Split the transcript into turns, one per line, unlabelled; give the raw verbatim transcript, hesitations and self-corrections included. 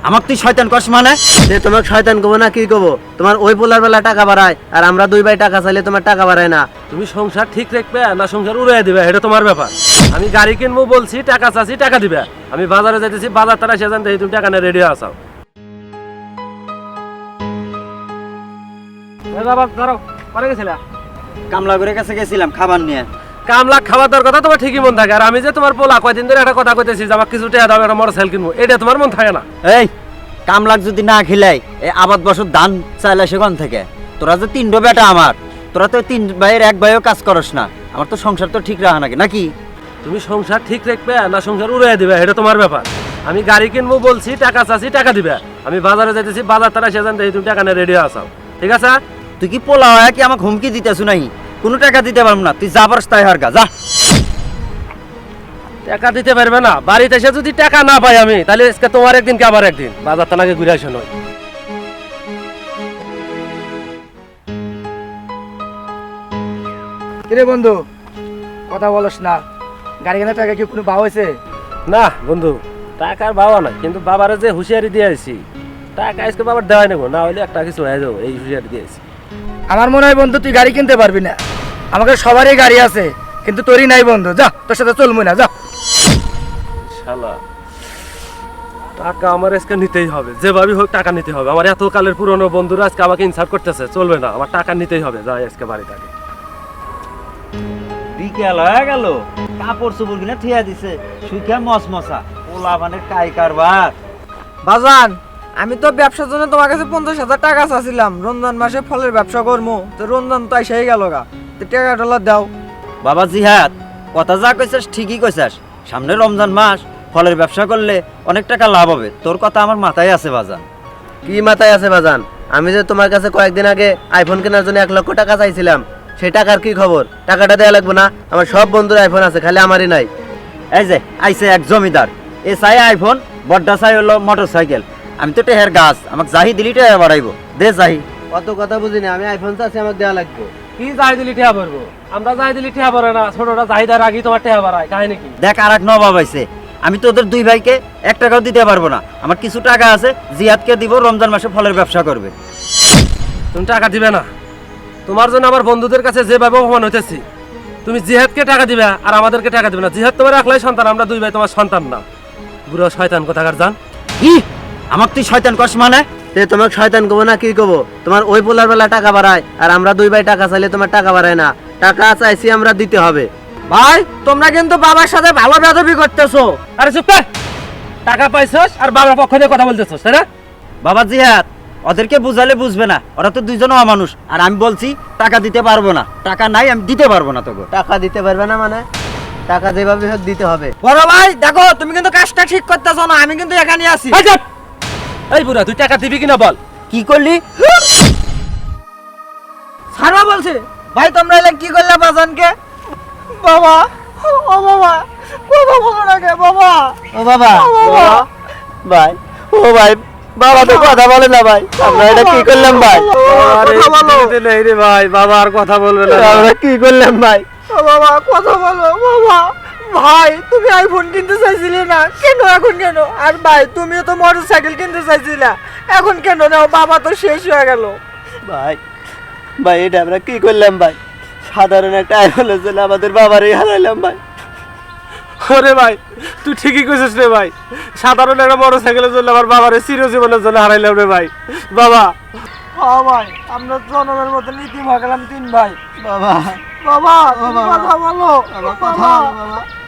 আমাক তুই শয়তান কস মানে?
যে তোমাক শয়তান কব না কি কব? তোমার ওই পোলার বেলা টাকা বাড়ায় আর আমরা দুই ভাই টাকা চাইলে তোমার টাকা বাড়ায় না।
তুমি সংসার ঠিক রাখবে না সংসার উড়াই দিবে, এটা তোমার ব্যাপার। আমি গাড়ি কিনবো বলছি, টাকা চাচ্ছি, টাকা দিবে। আমি বাজারে যাইতেছি, বাজার তারা সে জানতে তুমি টাকা নিয়ে রেডি আসাও। বাবা ধরো, পরে গেছিলা?
কামলা করে কাছে গেছিলাম খাবার নিয়ে।
কামলা খাওয়া দাওয়ার কথা তোমার ঠিকই মন থাকে, আর আমি যে তোমার পোলা কয়দিন ধরে একটা কথা কইতেছি যে আমার কিছু টাকা দাও, একটা মোটরসাইকেল কিনবো, এটা তোমার মন থাকে না।
এই কামলাক যদি না খিলাই এই আবাদ বছর ধান চাইলে সেখান থেকে তোরা যে তিনটো বেটা আমার, তোরা তো তিন ভাইয়ের এক ভাইও কাজ করস না, আমার তো সংসার তো ঠিক রাখা নাকি নাকি?
তুমি সংসার ঠিক রাখবে না সংসার উড়াই দিবে, এটা তোমার ব্যাপার। আমি গাড়ি কিনবো বলছি, টাকা চাচ্ছি, টাকা দিবে। আমি বাজারে যাইতেছি, বাজার তারা সে জানতে তুমি টাকা নিয়ে রেডি আসাও, ঠিক আছে?
তুই কি পোলা হয় কি আমাকে হুমকি দিতেছ নাই? কোনো টাকা দিতে পারবো না, তুই যা পারস তাই হার গা যা।
টাকা দিতে পারবে না? বাড়িতে এসে যদি টাকা না পাই আমি, তাহলে আজকে তোমার একদিন কে আবার একদিন বাজার তানাকে ঘুরে আসো নয়।
কিরে বন্ধু, কথা বলস না? গাড়ি কেনার টাকা কি কোনো ভাও হয়েছে?
না বন্ধু, টাকার বাবা নাই, কিন্তু বাবারে যে হুঁশিয়ারি দিয়ে আসি, টাকা আজকে বাবার দেওয়াই নেবো, না হলে একটা কিছু হয়ে যাবো, এই হুঁশিয়ারি দিয়েছি।
আমার মনে হয় বন্ধু তুই গাড়ি কিনতে পারবি না। আমাকে সবারই গাড়ি আছে, কিন্তু তোরই নাই বন্ধু। যা, তোর সাথে চলবো না, যা।
শালা, টাকা আমার আজকে নিতেই হবে, যেভাবে হোক টাকা নিতে হবে। আমার এত কালের পুরনো বন্ধুরা আজকে আমাকে ইনসাল্ট করতেছে, চলবে না, আমার টাকা নিতেই হবে। যাই আজকে বাড়িটাকে।
বিকেল হয়ে গেল, কাপড় চোপড় কিনা ঠিয়া দিছে, সুখে মসমসা পোলা মানে কাই কারবার।
বাজান, আমি তো ব্যবসার জন্য তোমার কাছে পঞ্চাশ হাজার টাকা চাচ্ছিলাম, রমজান মাসে ফলের ব্যবসা করবো। তো রমজান তো এসেই গেল গা, তো টাকা ডলার দাও।
বাবা জিহাদ, কথা যা কইছাস ঠিকই কইছাস, সামনে রমজান মাস, ফলের ব্যবসা করলে অনেক টাকা লাভ হবে। তোর কথা আমার মাথায় আছে বাজান।
কি মাথায় আছে বাজান? আমি যে তোমার কাছে কয়েকদিন আগে আইফোন কেনার জন্য এক লক্ষ টাকা চাইছিলাম, সেই টাকার কি খবর? টাকাটা দেওয়া লাগবে না? আমার সব বন্ধুর আইফোন আছে, খালি আমারই নাই।
এই যে আইছে এক জমিদার, এ চাই আইফোন, বড্ডা চাই হলো মোটর সাইকেল। আমি তো টেহের গাছ, আমাকে জাহি দিলি টেহে বাড়াইবো, দে জাহি।
অত কথা বুঝিনি, আমি আইফোন চাচ্ছি, আমাকে দেওয়া লাগবে।
কি যাই দিলি ঠেয়া ভরবো? আমরা যাই দিলি ঠেয়া ভরে না, ছোটটা চাহিদার আগেই তোমার ঠেয়া ভরায়, কাহিনী কি?
দেখ আর এক নবাব আইছে, আমি তো ওদের দুই ভাইকে এক টাকাও দিতে পারবো না। আমার কিছু টাকা আছে, জিহাদকে দিব, রমজান মাসে ফলের ব্যবসা করবে।
তুমি টাকা দিবে না? তোমার জন্য আমার বন্ধুদের কাছে যেভাবে অপমান হইতেছি, তুমি জিহাদকে টাকা দিবে আর আমাদেরকে টাকা দিবে না। জিহাদ তোমার একলাই সন্তান, আমরা দুই ভাই তোমার সন্তান না। বুড়ো শয়তান কোথাকার জান।
কি আমাকে তুই শয়তান কস মানে?
যে তোমাকে শয়তান কব না কি কব? তোমার ওই পোলার বেলা টাকা বাড়ায় আর আমরা দুই ভাই টাকা চাইলে তোমার টাকা বাড়ায় না। টাকা চাইছি আমরা, দিতে হবে।
ভাই, তোমরা কিন্তু বাবার সাথে ভালো বেদবি করতেছো।
আরে চুপ কর! টাকা পাইছস আর বাবার পক্ষ দিয়ে কথা বলতেছস, তাই না?
বাবা জিহাদ, ওদেরকে বুঝালে বুঝবে না, ওরা তো দুইজন অমানুষ। আর আমি বলছি টাকা দিতে পারবো না, টাকা নাই, আমি দিতে পারবো না তোকে।
টাকা দিতে পারবে না মানে? টাকা যেভাবে হোক দিতে হবে।
বড় ভাই দেখো, তুমি কিন্তু কাজটা ঠিক করতেছো না। আমি কিন্তু এখানে আছি।
এই চুপ! এই বুড়া, তুই টাকা দিবি কিনা বল?
কি করলি?
সারা বলছে ভাই, তোমরা এলে কি করলে বাজানকে? বাবা, ও বাবা, বাবা বলো না কে বাবা?
ও বাবা,
বাবা।
ভাই, ও ভাই, বাবা তো কথা বলে না ভাই। আমরা এটা কি করলাম ভাই?
আরে দিতে নেই রে ভাই, বাবা আর কথা বলবে না।
আমরা কি করলাম ভাই?
ও বাবা, কথা বলো বাবা। ভাই, তুমি আইফোন কিনতে চাইছিলে না, কেন এখন কেন? আর ভাই, তুমিও তো মোটর সাইকেল কিনতে চাইছিলা, এখন কেন নাও? বাবা তো শেষ হয়ে গেল।
ভাই, ভাই এটা আমরা কি করলাম ভাই? সাধারণ একটা আইফোনের জন্য আমাদের বাবারই হারাইলাম ভাই।
ওরে ভাই, তুই ঠিকই কইছিস রে ভাই। সাধারণ একটা মোটর সাইকেলের জন্য আমার বাবারে চিরজীবনের জন্য হারাইলাম রে ভাই। বাবা,
হ্যাঁ ভাই, আমরা জনমের মতো নীতি ভাগলাম তিন ভাই।
বাবা,
বাবা, তুমি
বাবা।
কথা বলো
বাবা, কথা
বাবা।
বলো বাবা।